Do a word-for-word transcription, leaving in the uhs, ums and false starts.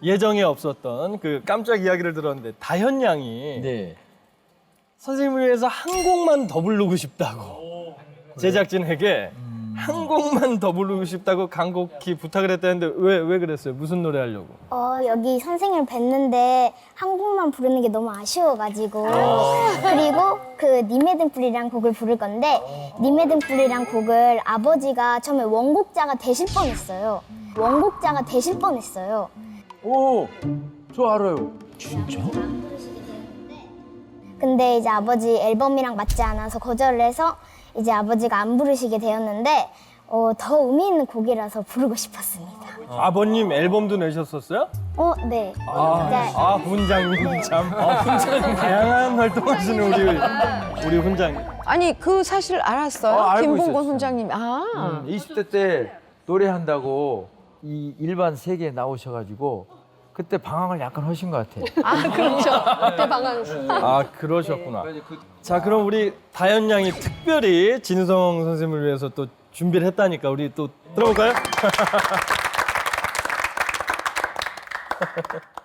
예정에 없었던 그 깜짝 이야기를 들었는데 다현 양이 네. 선생님을 위해서 한 곡만 더 부르고 싶다고 제작진에게 한 곡만 더 부르고 싶다고 간곡히 부탁을 했다는데 왜, 왜 그랬어요? 무슨 노래 하려고? 어, 여기 선생님을 뵀는데 한 곡만 부르는 게 너무 아쉬워가지고 그리고 그 님의 등불이란 곡을 부를 건데 님의 등불이란 곡을 아버지가 처음에 원곡자가 되실 뻔했어요. 원곡자가 되실 뻔했어요. 오, 저 알아요. 근데 이제 아버지 앨범이랑 맞지 않아서 거절을 해서 이제 아버지가 안 부르시게 되었는데 어, 더 의미 있는 곡이라서 부르고 싶었습니다. 아버님 앨범도 내셨었어요? 어, 네. 아, 네. 아 훈장님 참. 아, 훈장님 다양한 활동하시는 우리 우리 훈장님. 아니 그 사실 알았어요? 어, 알고 김봉곤 있었어요. 훈장님. 아. 이십 대 때 노래한다고 이 일반 세계에 나오셔가지고 그때 방황을 약간 하신 것 같아요. 아 그렇죠. 그때 방황. 아 그러셨구나. 자 그럼 우리 다현 양이 특별히 진우성 선생님을 위해서 또 준비를 했다니까 우리 또 들어볼까요?